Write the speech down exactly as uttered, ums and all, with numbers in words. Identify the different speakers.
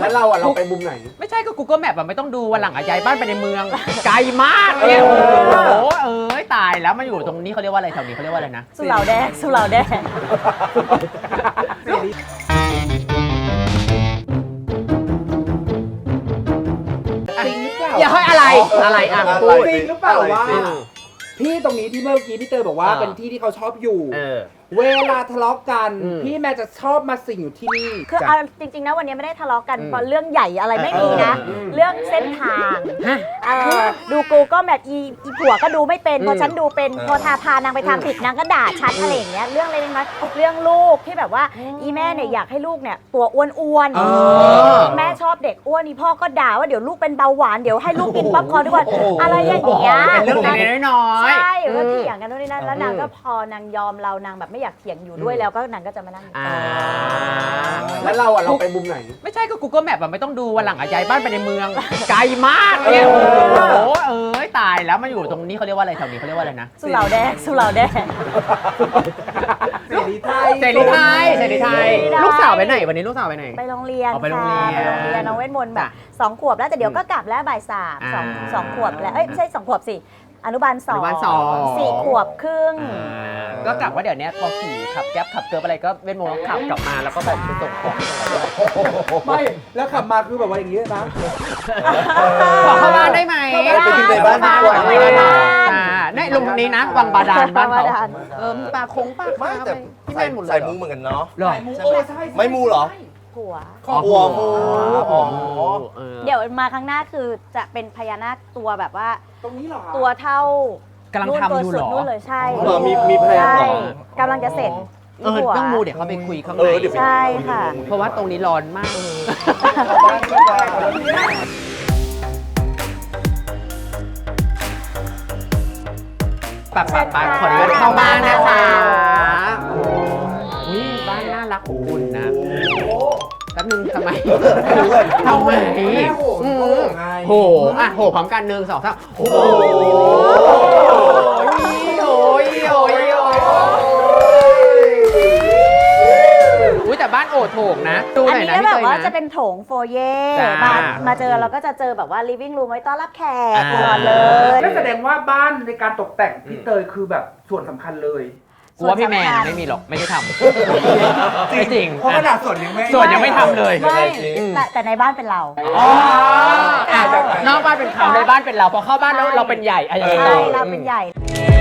Speaker 1: แล้วเราอ่ะเราไปมุมไหน
Speaker 2: ไม่ใช่ก็ Google Map อะไม่ต้องดูวันหลังอะย้ายบ้านไปในเมืองไกลมากเนี่ยโอ้โหเอ้ยตายแล้วมาอยู่ตรงนี้เขาเรียกว่าอะไรแถวนี้เขาเรียกว่าอะไรนะ
Speaker 3: สุเหร่าแดงสุเหร่าแดง
Speaker 1: จริงหรือเปล่า
Speaker 2: อย่าให้อะไรอะไรอ่ะพูด
Speaker 1: จริงหรือเปล่าว่าพี่ตรงนี้ที่เมื่อกี้พี่เตยบอกว่าเป็นที่ที่เขาชอบอยู่เวลาทะเลาะกันพี่แม่จะชอบมาสิ่งอยู่ที่นี่
Speaker 3: คือเอาจริงๆนะวันนี้ไม่ได้ทะเลาะกันเพราะเรื่องใหญ่อะไรไม่มีนะเรื่องเส้นทางดูกูก็แบบอีอีผัวก็ดูไม่เป็นพอฉันดูเป็นพอทาพานางไปทำผิดนางก็ด่าฉันอะไรอย่างเงี้ยเรื่องอะไรน้อยเรื่องลูกที่แบบว่าอีแม่เนี่ยอยากให้ลูกเนี่ยตัวอ้วนๆแม่ชอบเด็กอ้วนอีพ่อก็ด่าว่าเดี๋ยวลูกเป็นเบาหวานเดี๋ยวให้ลูกกินป๊อปคอร์นทุกวันอะไรอย่างเงี้ย
Speaker 2: เป็นเรื่องเล็กๆน้อย
Speaker 3: ๆใช่ก็เถียงกันนู่นนี่นั่นแล้วนางก็พอนางยอมเรานางแบบไม่อยากเถียงอยู่ด้วยแล้วก็นางก็จะมานั่ง
Speaker 1: แล้วเราอ่ะเราไปมุมไหน
Speaker 2: ไม่ใช่ก็ Google Map อะไม่ต้องดูวันหลังอะย้ายบ้านไปในเมืองไกลมากเนี่ยโอ้โหเอ้ยตายแล้วมาอยู่ตรงนี้เขาเรียกว่าอะไรแถวนี้เขาเรียกว่าอะไรนะ
Speaker 3: สุเหร่าแดงสุเหร่าแดง
Speaker 1: เสรีไทย
Speaker 2: เสรีไทยเสรีไทยลูกสาวไปไหนวันนี้ลูกสาวไปไหน
Speaker 3: ไปโรงเรียน
Speaker 2: ไปโรงเรียน
Speaker 3: ไปโรงเรียนน้องเวทมนต์แบบสองขวบแล้วแต่เดี๋ยวก็กลับแล้วบ่ายสามสองสองขวบแล้วเอ้ยไม่ใช่สองขวบสิอนุบาลสองสี่ขวบครึ่ง
Speaker 2: ก็กลับว่าเดี๋ยวนี้พอขี่ขับแก๊ปขับเกิร์บอะไรก็เว้นโมงขับกลับมาแล้วก็แบบไปส่งของ
Speaker 1: ไม่แล้วขับมาคือแบบว่าอย่างนี้นะ
Speaker 2: ขอเข้าบ้านได้ไหม
Speaker 1: ไปกินในบ้านดีกว่า
Speaker 2: ไม่ได้อ่าเนี่ยลุงนี้นะวังบาดาลบ้านเขาเออมีปลาคงปลาไม่แต่
Speaker 4: ใส่ใส่มูเหมือนกันเนาะ
Speaker 1: ไม่มูเหรอ
Speaker 3: หัว
Speaker 4: หัวมู
Speaker 3: เดี๋ยวมาครั้งหน้าคือจะเป็นพญานาคตัวแบบว่า
Speaker 1: ตรงนี้เหรอ
Speaker 3: ตัวเท่าก
Speaker 2: ำลังทำอยู่หรอ
Speaker 3: นู่นเลยใช่
Speaker 4: มีมีแพลนหร
Speaker 3: อกำลังจะเสร็จ
Speaker 2: เออเรื่องมูเดี๋ยวเขาไปคุยข้างใน
Speaker 3: ใช่ค่ะ
Speaker 2: เพราะว่าตรงนี้ร้อนมากปัดปัดปัดขออนุญาตเข้าบ้านนะคะอุ้ยบ้านน่ารักอบอุ่นนะแป๊บนึงทำไมทำไมโหอ่ะโหพร้อมกันหนึ่งสองสามโอ้โหโอ้ยโอ้ยโอ้ยอุ้ยแต่บ้านโอดโถงนะดูหน่อยนะ
Speaker 3: อันนี้แบบว่าจะเป็นโถงโฟเย่มามาเจอเราก็จะเจอแบบว่า living room ไว้ต้อนรับแขกตลอดเลย
Speaker 1: ก็แสดงว่าบ้านในการตกแต่งพี่เตยคือแบบส่วนสำคัญเลย
Speaker 2: กูว่าพี่แมนไม่มีหรอกไม่ได้ทำไม่จริง
Speaker 1: เพราะขนาดส่วนยังไม่
Speaker 2: ส่วนยังไม่ทำเลย
Speaker 3: ไม่แต่ในบ้านเป็นเรา
Speaker 2: นอกบ้านเป็นเขาในบ้านเป็นเราพอเข้าบ้านแล้วเราเป็นใหญ่อะไรอย่างเงี้ย
Speaker 3: ใช่เราเป็นใหญ่